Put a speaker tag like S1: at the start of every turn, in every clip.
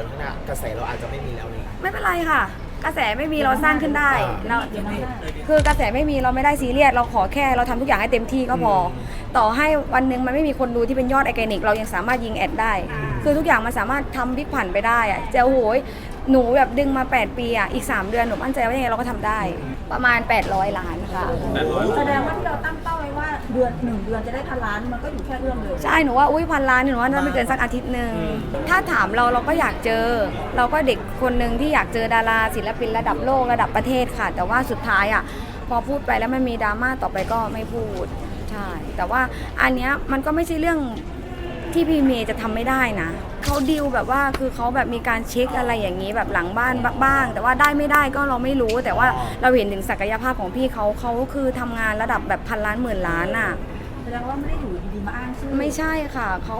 S1: ข้างหน้ากระแสเราอาจจะไม่มีแล้วนี่
S2: ไม่เป็นไรค่ะกระแสไม่มีเราสร้างขึ้นได้เราคือกระแสไม่มีเราไม่ได้ซีเรียสเราขอแค่เราทำทุกอย่างให้เต็มที่ก็พอต่อให้วันหนึ่งมันไม่มีคนดูที่เป็นยอดออร์แกนิกเรายังสามารถยิงแอดได้คือทุกอย่างมันสามารถทำพลิกผันไปได้อะจะโอ้โหหนูแบบดึงมา8ปีอ่ะอีก3เดือนหนูมั่นใจว่ายังไงเราก็ทำได้ประมาณ800 ล้านค่ะ
S3: แสดงว่าที่เราตั้งเป้าไว้ว่า1 เดือนจะได้1,000,000,000มันก็อยู่แค่เรื่องเลย
S2: ใช่หนูว่าอุ้ย1,000 ล้านหนูว่าน่าไม่เกินสักอาทิตย์หนึ่งถ้าถามเราก็อยากเจอเราก็เด็กคนหนึ่งที่อยากเจอดาราศิลปินระดับโลกระดับประเทศค่ะแต่ว่าสุดท้ายอ่ะพอพูดไปแล้วมันมีดราม่าต่อไปก็ไม่พูดใช่แต่ว่าอันเนี้ยมันก็ไม่ใช่เรื่องที่พี่เมย์จะทำไม่ได้นะเขาดีลแบบว่าคือเขาแบบมีการเช็คอะไรอย่างนี้แบบหลังบ้านบ้างแต่ว่าได้ไม่ได้ก็เราไม่รู้แต่ว่าเราเห็นถึงศักยภาพของพี่เขาคือทำงานระดับแบบ1,000 ล้าน10,000 ล้านอ่ะ
S3: แสดงว่าไม่ได้อยู่ดีๆมาอ้างชื่อ
S2: ไม่ใช่ค่ะเขา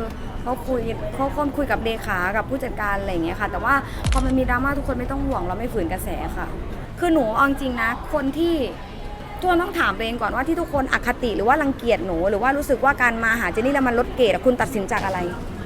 S2: คุยกับเลขากับผู้จัดการอะไรอย่างเงี้ยค่ะแต่ว่าพอมันมีดราม่าทุกคนไม่ต้องห่วงเราไม่ฝืนกระแสค่ะคือหนูเอาจริงนะคนที่ทุกคนต้องถามตัวเองก่อนว่าที่ทุกคนอคติหรือว่ารังเกียจหนูหรือว่ารู้สึกว่าการมาหาเจนนี่แล้วมันลดเกรดคุณตัดสินจากอะไร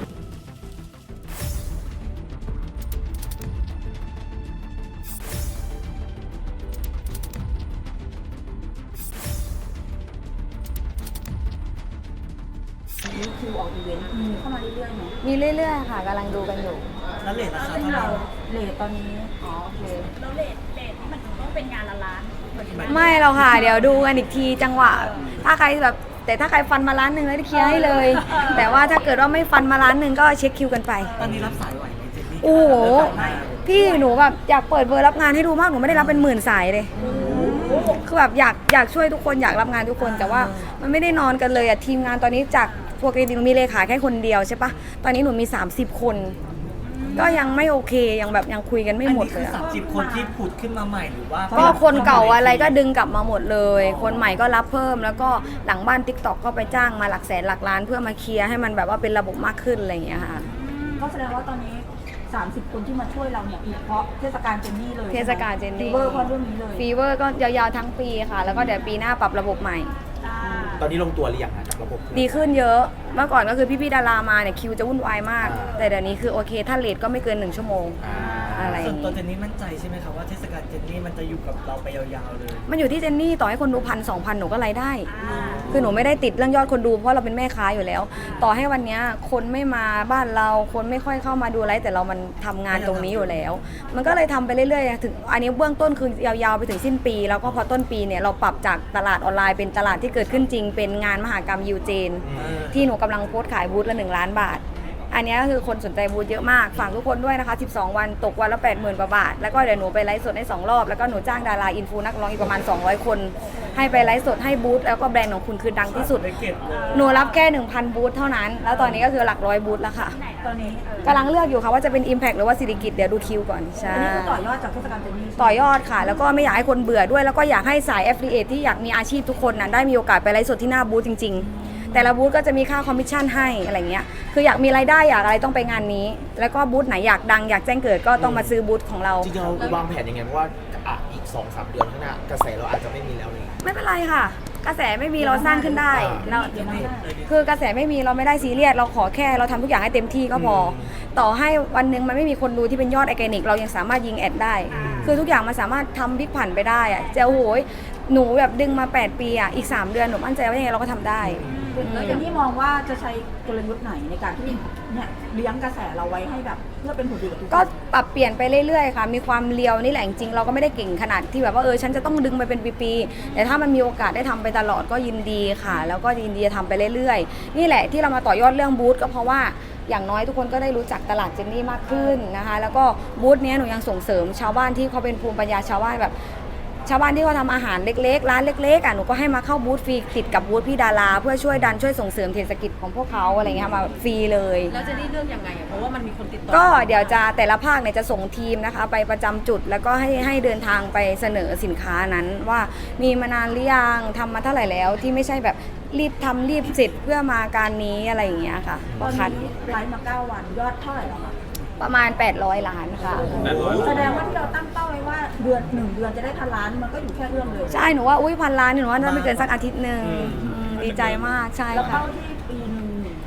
S3: มีคิวออกอีเวนต์มีเข้ามาเรื่อยๆไหม
S2: มีเรื่อยๆค่ะกำลังดูกันอยู่
S1: แล้วเลทราคา
S3: ซึ่ง
S1: เท่าไหร่
S3: เราเลทตอนนี้
S2: โอเค
S3: เราเลทที่มันต้องเป็นงานละล้าน
S2: ไม่หรอกค่ะเดี๋ยวดูกันอีกทีจังหวะถ้าใครแบบแต่ถ้าใครฟันมา1 ล้านแล้วได้เคลียร์ให้เลยแต่ว่าถ้าเกิดว่าไม่ฟันมา1 ล้านก็เช็คคิวกันไป
S1: ตอนนี้รับสายไหวไหมเจนนี่
S2: โอ้โหพี่หนูแบบอยากเปิดเบอร์รับงานให้ดูมากหนูไม่ได้รับเป็น10,000 สายเลยคือแบบอยากช่วยทุกคนอยากรับงานทุกคนแต่ว่ามันไม่ได้นอนกันเลยอะทีมงานตอนนี้จากปกติหนูมีเลขาแค่คนเดียวใช่ปะตอนนี้หนูมี30 คนก็ยังไม่โอเคยังคุยกันไม่หมดเลย
S1: อันนี้คือ30 คนที่ผุดขึ้นมาใหม่หรือว่า
S2: ก็คนเก่าอะไรก็ดึงกลับมาหมดเลยคนใหม่ก็รับเพิ่มแล้วก็หลังบ้าน TikTok ก็ไปจ้างมาหลักแสนหลักล้านเพื่อมาเคลียร์ให้มันแบบว่าเป็นระบบมากขึ้นอะไรอย่างเงี้ยค่ะ
S3: ก็แสดงว่าตอนนี้30 คนที่มาช่วยเราเนี่ยเพราะเทศกาลเจนนี่เลย
S2: เทศกาลเจนนี่
S3: ฟีเวอร์เพราะเรื่องนี้เลย
S2: ฟีเวอร์ก็ยาวๆทั้งปีค่ะแล้วก็เดี๋ยวปีหน้าปรับระบบใหม่
S1: ตอนนี้ลงตัวหรือยังกับระบบ
S2: ดีขึ้นเยอะเมื่อก่อนก็คือพี่ๆดารามาเนี่ยคิวจะวุ่นวายมากแต่เดี๋ยวนี้คือโอเคถ้าเลทก็ไม่เกิน1 ชั่วโมงอะไร
S1: ส่วนตัวเจนนี่มั่นใจใช่ไหมครับว่าเทศกาลเจนนี่มันจะอยู่กับเราไปยาวๆเลย
S2: มันอยู่ที่เจนนี่ต่อให้คนดู1,000 2,000หนูก็รายได้คือหนูไม่ได้ติดเรื่องยอดคนดูเพราะเราเป็นแม่ค้าอยู่แล้วต่อให้วันนี้คนไม่มาบ้านเราคนไม่ค่อยเข้ามาดูไลฟ์แต่เรามันทำงานตรงนี้อยู่แล้วมันก็เลยทำไปเรื่อยๆถึงอันนี้เบื้องต้นคือยาวๆไปถึงสิ้นปีแล้วก็พอต้นปีเนี่ยเราปรับจากตลาดออนไลน์เป็นตลาดที่เกิดขึ้นจริงเป็นงานมหกรรมยูเจนที่หนูกำลังโพสต์ขายบูธละ1 ล้านบาทอันนี้ก็คือคนสนใจบูธเยอะมากฝากทุกคนด้วยนะคะ12 วันตกวันละ80,000 กว่าบาทแล้วก็เดี๋ยวหนูไปไลฟ์สดให้2 รอบแล้วก็หนูจ้างดาราอินฟูนักร้องอีกประมาณ200 คนให้ไปไลฟ์สดให้บูธแล้วก็แบรนด์ของคุณคือดังที่สุดหนูรับแค่ 1,000 บูธเท่านั้นแล้วตอนนี้ก็คือหลักร้อยบูธแล้วค่ะ
S3: ตอนนี้
S2: กำลังเลือกอยู่ค่ะว่าจะเป็น Impact หรือว่าสิริกิตเดี๋ยวดูคิวก่อนใช่
S3: อันนี้คือต่อยอดจากเทศกาลเจนนี่
S2: ต่อยอดค่ะแล้วก็ไม่อยากให้คนเบื่อด้วยแล้วก็อยากให้สาย Affiliate ที่อยากมีอาชีพทุกคนนะได้มีโอกาสไปไลฟ์สดที่หน้าบูธจริงๆแต่ละบูธก็จะมีค่าคอมมิชชั่นให้อะไรเงี้ยคืออยากมีรายได้อยากอะไรต้องไปงานนี้แล้วก็บูธไหนอยากดังอยากแจ้งเกิดก็ต้องมาซื้อบูธของเรา
S1: จริงๆเราวางแผนยังไงเพราะว่าอีก 2-3 เดือนข้างหน้ากระแสเราอาจจะไม่มีแล้วนี่
S2: ไม่เป็นไรค่ะกระแสไม่มีเราสร้างขึ้นได้เราคือกระแสไม่มีเราไม่ได้ซีเรียสเราขอแค่เราทำทุกอย่างให้เต็มที่ก็พอต่อให้วันหนึ่งมันไม่มีคนดูที่เป็นยอดออร์แกนิกเรายังสามารถยิงแอดได้คือทุกอย่างมันสามารถทำพลิกผันไปได้อะจะโอ้โหหนูแบบดึงมา8ปีอ่ะอีก3 เดือนหนูมั่นใจว่ายังไงเราก็ทำได้
S3: แล้วเจนนี่มองว่าจะใช้กลยุทธ์ไหนในการที่เนี่ยเลี้ยงกระแสเราไว้ให้แบบเพื่อเป็นผลดีกับทุกคน
S2: ก็ปรับเปลี่ยนไปเรื่อยๆค่ะมีความเลียวนี่แหละจริงๆเราก็ไม่ได้เก่งขนาดที่แบบว่าฉันจะต้องดึงไปเป็นปีๆแต่ถ้ามันมีโอกาสได้ทำไปตลอดก็ยินดีค่ะแล้วก็ยินดีจะทำไปเรื่อยๆนี่แหละที่เรามาต่อยอดเรื่องบูธก็เพราะว่าอย่างน้อยทุกคนก็ได้รู้จักตลาดเจนนี่มากขึ้นนะคะแล้วก็บูธนี้หนูยังส่งเสริมชาวบ้านที่เขาเป็นภูมิปัญญาชาวบ้านแบบชาวบ้านที่เขาทำอาหารเล็กๆร้านเล็กๆหนูก็ให้มาเข้าบูธฟรีติดกับบูธพี่ดาราเพื่อช่วยดันช่วยส่งเสริมเศรษฐกิจของพวกเขาอะไรเงี้ยมาฟรีเลย
S3: แล้วจะได้เลือกยังไงเพราะว่ามันมีคนติดต่อ
S2: ก็เดี๋ยวจะแต่ละภาคเนี่ยจะส่งทีมนะคะไปประจำจุดแล้วก็ให้เดินทางไปเสนอสินค้านั้นว่ามีมานานหรือยังทำมาเท่าไหร่แล้วที่ไม่ใช่แบบรีบทำรีบเสร็จเพื่อมาการนี้อะไรอย่างเงี้ยค่ะ
S3: ตอนนี้ไลฟ์มา9 วันยอดเท่าไหร่แล้วคะ
S2: ประมาณ800 ล้านค่ะ
S3: แสดงว่าที่เราตั้งเป้าไว้ว่า1 เดือนจะได้1,000,000,000มันก็อยู่แค่เรื่องเลย
S2: ใช่หนูว่า1,000 ล้านหนูว่าน่าไม่เกินสักอาทิตย์หนึ่งดีใจมากใช่
S3: ค่ะแล้ว
S2: ค่ะ
S3: เป้าที่ปี1 ล้าน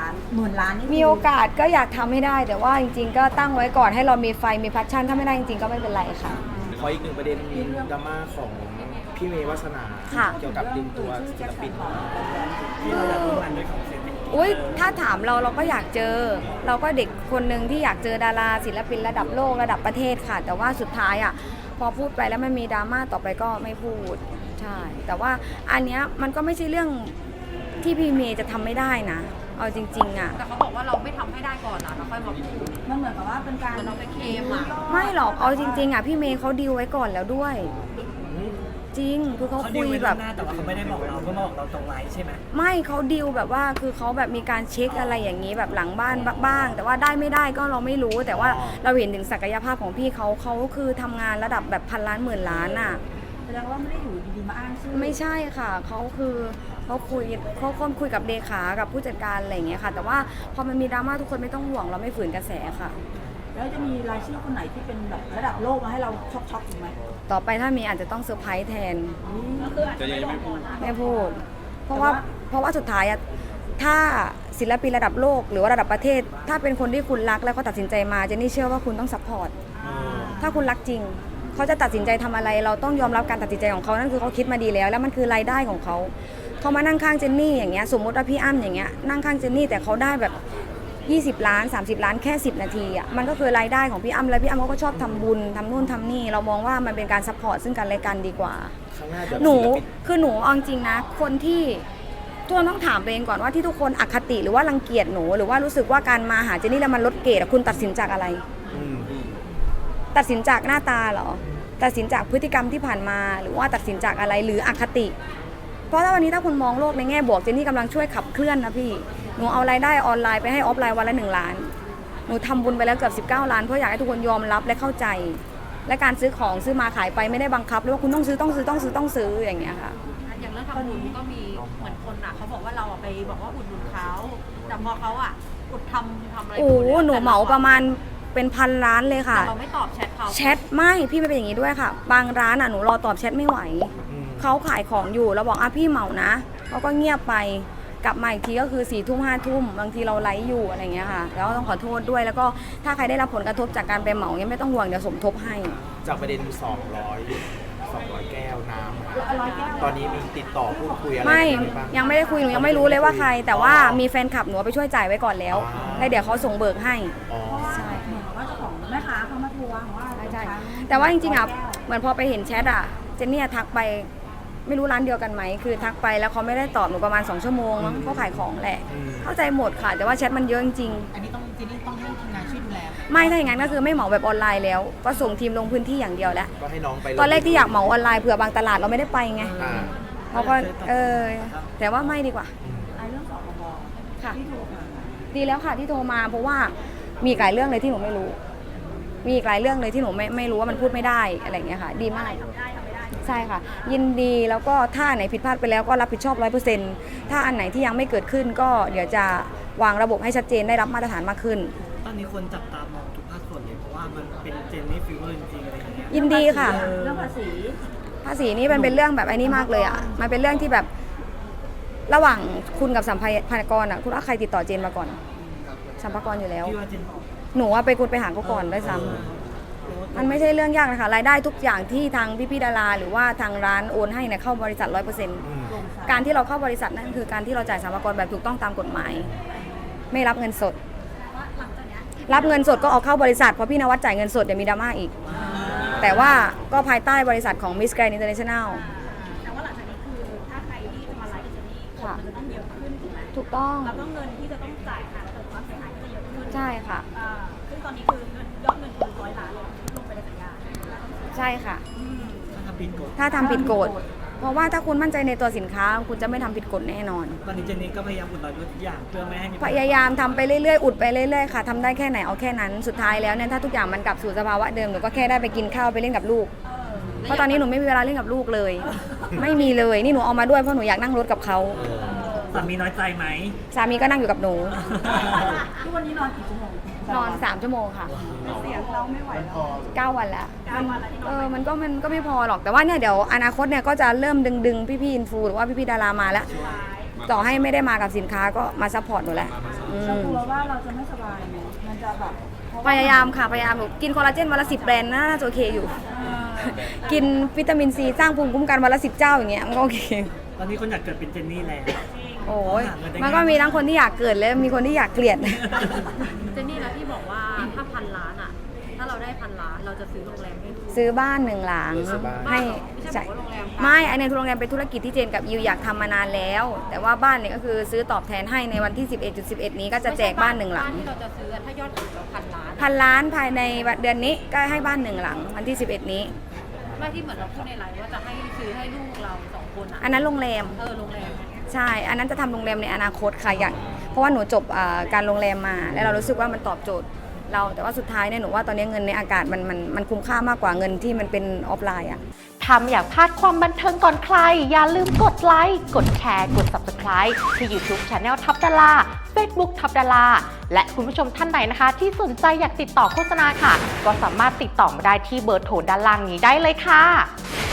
S3: ล้านหมื่นล้านนี่คื
S2: มีโอกาสก็อยากทำให้ได้ แต่ว่าจริงๆก็ตั้งไว้ก่อนให้เรามีไฟมีแพชชั่นถ้าไม่ได้จริงๆก็ไม่เป็นไรค่ะ
S1: ขออีกหนึ่งประเด็นดราม่าของพี่เมย์วัฒนา
S2: ค่ะ
S1: เกี่ยวกับดึงตัวศิลปิน
S4: ที่เราอยากร่วมงานด้วยของเซน
S2: อุ้ยถ้าถามเราก็อยากเจอ เราก็เด็กคนหนึ่งที่อยากเจอดาราศิลปินระดับโลกระดับประเทศค่ะ แต่ว่าสุดท้ายอ่ะพอพูดไปแล้วมันมีดราม่าต่อไปก็ไม่พูดใช่แต่ว่าอันเนี้ยมันก็ไม่ใช่เรื่องที่พี่เมย์จะทำไม่ได้นะเอาจริงๆอ่ะ
S5: แต่เขาบอกว่าเราไม่ทำให้ได้ก่อนนะเราค่อยมาพูด
S3: มันเหมือนกับว่าเป็นการ
S5: เหมือนเราไปเคลมอะ
S2: ไม่หรอกเอาจริงๆอ่ะพี่เมย์เขาดีลไว้ก่อนแล้วด้วย จริงคือเขา
S4: เขา
S2: คุ
S4: ดีล
S2: ย
S4: ไว้
S2: แบ
S4: ล่ว
S2: บ
S4: งหน้าแต่ว่าเขาไม่ได้บอกเราเพื่อมาบอกเราตรงไลน์ใช่ไหม
S2: ไม่เขาดีลแบบว่าคือเขาแบบมีการเช็คอะไรอย่างนี้แบบหลังบ้านบ้าง แต่ว่าได้ไม่ได้ก็เราไม่รู้ แต่ว่าเราเห็นถึงศักยภาพของพี่เขาคือทำงานระดับแบบพันล้านหมื่นล้านอ่ะ
S3: แสดงว่าไม่ได้อยู่ดีๆมาอ้างชื่อ
S2: ไม่ใช่ค่ะเขาคือเขาคุยกับเลขากับผู้จัดการอะไรอย่างเงี้ยค่ะ แต่ว่าพอมันมีดราม่าทุกคนไม่ต้องห่วงเราไม่ฝืนกระแสค่ะ
S3: แล้วจะมีรายชื่อคนไหนที่เป็นแบบระดับโลกมาให้เราช็อกๆอีกไหม
S2: ต่อไปถ้ามีอาจจะต้องเซอร์ไพรส์แทน
S4: จะยังไม่พูด
S2: ไม่พูด เพราะว่าสุดท้ายอะถ้าศิลปินระดับโลกหรือว่าระดับประเทศ ถ้าเป็นคนที่คุณรักแล้วก็ตัดสินใจมาเจนนี่เชื่อว่าคุณต้องซัพพอร์ตถ้าคุณรักจริงเขาจะตัดสินใจทำอะไร เราต้องยอมรับการตัดสินใจของเขานั่นคือเขาคิดมาดีแล้วมันคือรายได้ของเขามานั่งข้างเจนนี่อย่างเงี้ยสมมติว่าพี่อ้ำอย่างเงี้ยนั่งข้างเจนนี่แต่เขาได้แบบ20 ล้าน30 ล้านแค่10 นาทีอ่ะมันก็คือรายได้ของพี่อ้ำแล้วพี่อ้ำเขาก็ชอบทำบุญทำนู่นทำนี่เรามองว่ามันเป็นการซัพพอร์ตซึ่งกันและกันดีกว่า
S1: ข้างหน้าเดี๋ยว
S2: หนู
S1: ศิลปิน
S2: คือหนูเอาจริงนะคนที่ทุกคนต้องถามตัวเองก่อนว่าที่ทุกคนอคติหรือว่ารังเกียจหนูหรือว่ารู้สึกว่าการมาหาเจนนี่แล้วมันลดเกรดอะคุณตัดสินจากอะไร
S1: อืม
S2: ตัดสินจากหน้าตาเหรอตัดสินจากพฤติกรรมที่ผ่านมาหรือว่าตัดสินจากอะไรหรืออคติ เพราะถ้าวันนี้ถ้าคุณมองโลกในแง่บวกเจนนี่กำลังช่วยขับเคลื่อนนะพี่หนูเอารายได้ออนไลน์ไปให้ออฟไลน์วันละ1 ล้านหนูทำบุญไปแล้วเกือบ19 ล้านเพราะอยากให้ทุกคนยอมรับและเข้าใจ และการซื้อของซื้อมาขายไปไม่ได้บังคับเลยว่าคุณต้องซื้ออย่างเงี้ยค่ะ
S5: อย่างเรื่องทำบุญก็มีเหมือนคนอะเขาบอกว่าเราอะไปบอกว่าอุดหนุนเขาแต่พอเขาอะอุดทำอะไร
S2: โอ้โหหนูเหมาประมาณเป็นพันล้านเลยค่ะ
S5: แต่เราไม่ตอบแชทเขา
S2: แชทไม่พี่ไม่เป็นอย่างนี้ด้วยค่ะ บางร้านอ่ะหนูรอตอบแชทไม่ไหว
S1: อืม
S2: เขาขายของอยู่เราบอกอ่ะพี่เหมานะเขาก็เงียบไปกลับมาอีกทีก็คือ4 ทุ่ม5 ทุ่มบางทีเราไลฟ์อยู่อะไรเงี้ยค่ะแล้วก็ต้องขอโทษด้วยแล้วก็ถ้าใครได้รับผลกระทบจากการไปเหมาเนี่ยไม่ต้องห่วงเดี๋ยวสมทบให้
S1: จากประเด็น200 แก้วน้ำ
S3: 100 แก้ว
S1: ตอนนี้มีติดต่อพูดคุยอะไร
S2: ไม่
S1: กันบ้าง
S2: ยังไม่ได้คุยหนูยังไม่รู้เลยว่าใคร แต่ว่ามีแฟนคลับหนูเอาไปช่วยจ่ายไว้ก่อนแล้ว
S1: อ๋อ
S2: แล้วเดี๋ยวเขาส่งเบิกให้
S1: อ๋อ
S2: ใช่
S3: เหมือนว่าเจ้าของแม่ค้าเขามาทวงว่า
S2: ใช่แต่ว่าจริงๆอ่ะเหมือนพอไปเห็นแชทอ่ะเจนนี่ทักไปไม่รู้ร้านเดียวกันไหมคือทักไปแล้วเขาไม่ได้ตอบหนูประมาณ2 ชั่วโมงมั้งเขาขายของแหละ
S1: อืม
S2: เข้าใจหมดค่ะ แต่ว่าแชทมันเยอะจริง
S6: อันนี้ต้องเจนนี่ต้องให้ทีมงานช่วยดูแล
S2: ๆไม่ถ้าอย่างนั้นก็คือไม่เหมาแบบออนไลน์แล้ว ก็ส่งทีมลงพื้นที่อย่างเดียวแล้ว
S1: ก็ให้น้องไป
S2: ตอนแรกที่อยากเหมาออนไลน์เผื่อบางตลาดเราไม่ได้ไปไง
S1: อ่า
S2: เขาก็แต่ว่าไม่ดีกว่า
S3: ไอ้เรื่องสคบ
S2: ค่ะ
S3: ที่โทรมา
S2: ดีแล้วค่ะที่โทรมาเพราะว่ามีอีกหลายเรื่องเลยที่หนูไม่รู้ มีอีกหลายเรื่องเลยที่หนูไม่รู้ว่ามันพูดไม่ได้อะไรอย่างเงี้ยค่ะ ดีมากใช่ค่ะ ยินดีแล้วก็ถ้าอันไหนผิดพลาดไปแล้วก็รับผิดชอบ100%ถ้าอันไหนที่ยังไม่เกิดขึ้นก็เดี๋ยวจะวางระบบให้ชัดเจนได้รับมาตรฐานมากขึ้น
S4: ตอนนี้คนจับตามองทุกภาคส่วนเลยเพราะว่ามันเป็นเจนนี่ฟิวเวอร์จริงๆอะไรอย่างเงี้ย
S2: ยินดีค่ะ
S3: เรื่องภาษี
S2: ภาษีนี่มันเป็นเรื่องแบบไอ้นี่มากเลยอ่ะมันเป็นเรื่องที่แบบระหว่างคุณกับสัมภากรอ่ะคุณว่าใครติดต่อเจนมาก่อนสัมภากรอยู่แล้ว
S4: พี่ว่าเจน
S2: หนูว่าไปคุณไปหาเขาก่อนด้วยซ้ำมันไม่ใช่เรื่องยากนะคะรายได้ทุกอย่างที่ทางพี่ๆดาราหรือว่าทางร้านโอนให้เนี่ยเข้าบริษัท 100% การที่เราเข้าบริษัทนั่นคือการที่เราจ่ายสรรพากรแบบถูกต้องตามกฎหมาย ไม่รับเงินสด รับเงินสดก็เอาเข้าบริษัทเพราะพี่นวัดจ่ายเงินสดเดี๋ยวมีดราม่าอีก แต่ว่าก็ภายใต้บริษัทของ Miss Grand International
S7: แต่ว่าหลังจากนี้คือถ้าใครที่จะมาไลฟ์กับเจนนี่คนมันจะต้องเยอะขึ้นถูกไหม
S2: ถูกต้อง
S7: แล้วก็เงินที่จะต้องจ่ายค่ะเกิดความเสียหายก็จะเยอะขึ้น
S2: ใช่ค่ะ
S7: ซึ่งตอนนี้คือเงินยอดเงินคือ100 ล้านเลยที่ลงไปในสัญญา
S2: ใช่ค่ะ
S4: ถ้าทำผิดกฎ
S2: ถ้าทำผิดกฎเพราะว่าถ้าคุณมั่นใจในตัวสินค้าคุณจะไม่ทำผิดกฎแน่นอน
S4: ตอนนี้เจนนี่ก็พยายามอุดรอยทุกอย่างเพื่อไม่ให้มี
S2: พยายามทำไปเรื่อยๆ อุดไปเรื่อยๆ ค่ะทำได้แค่ไหนเอาแค่นั้น สุดท้ายแล้วเนี่ยถ้าทุกอย่างมันกลับสู่สภาวะเดิมหนูก็แค่ได้ไปกินข้าวไปเล่นกับลูก เพราะตอนนี้หนูไม่มีเวลาเล่นกับลูกเลย ไม่มีเลย นี่หนูเอามาด้วยเพราะหนูอยากนั่งรถกับเขา
S4: สามีน้อยใจไหม
S2: สามีก็นั่งอยู่กับหนู
S3: ทุกวันนี้นอนกี่ชั่วโมง
S2: นอน3 ชั่วโมงค่ะ
S3: เสียงเราไม่ไหวแล้ว
S2: 9 วันแล้วมันก็ไม่พอหรอก แต่ว่าเนี่ยเดี๋ยวอนาคตเนี่ยก็จะเริ่มดึงพี่ๆอินฟูหรือว่าพี่ๆดารามาแล้ว ต่อให้ไม่ได้มากับสินค้าก็มาซัพพอร์ตหนูแหละ
S3: เรากลัวว่าเราจะไม่สบายไหมมันจะแบบเพระ
S2: พยายามค่ะพยายามหนูกินคอลลาเจนวันละ10 แบรนด์น่าจะโอเคอยู่ กินวิตามินซีสร้างภูมิคุ้มกันวันละ10 เจ้าอย่างเงี้ยมันก็โอเค
S4: ตอนนี้คนอยากเกิดเป็นเจนนี่แล้ว
S2: โอ้ยมันก็มีทั้งคนที่อยากเกิดและมีคนที่อยากเกลียด
S5: เจนนี่แล้วที่บอกว่าถ้า1,000 ล้านอ่ะ ถ้าเราได้1,000 ล้านเราจะซื้อโรงแรมให้ลูก
S2: ซื้อบ้าน1 หลัง
S1: ซื้อบ้าน
S2: ให้
S5: ไม่ใช่บอกว่าโรงแรม
S2: ไม่ไอในโรงแรมเป็นธุรกิจที่เจนกับยิวอยากทำมานานแล้ว แต่ว่าบ้านเนี่ยก็คือซื้อตอบแทนให้ในวันที่ 11.11 นี้ก็จะแจกบ้าน1 หลัง
S5: บ้านที่เราจะซื้อถ้ายอดขายเรา1,000 ล้าน
S2: 1,000 ล้านภายในเดือนนี้ก็ให้บ้าน1 หลังวันที่ 11 นี้
S5: ไม่ที่เหมือนเราพูดในไลน์ว่าจะให้ซื้อให้ลูกเรา2 คนอ่ะ
S2: อันนั้นโรงแรม
S5: โรงแรม
S2: ใช่ อันนั้นจะทำโรงแรมในอนาคตค่ะอยากเพราะว่าหนูจบการโรงแรมมา แล้วเรารู้สึกว่ามันตอบโจทย์เรา แต่ว่าสุดท้ายเนี่ยหนูว่าตอนนี้เงินในอากาศมันคุ้มค่ามากกว่าเงินที่มันเป็นออฟไลน์อะ
S8: ถ้าไม่อยากพลาดความบันเทิงก่อนใคร อย่าลืมกดไลค์ กดแชร์ กด Subscribe ที่ YouTube Channel ท็อปดารา Facebook ท็อปดาราและคุณผู้ชมท่านใดนะคะ ที่สนใจอยากติดต่อโฆษณาค่ะ ก็สามารถติดต่อมาได้ที่เบอร์โทรด้านล่างนี้ได้เลยค่ะ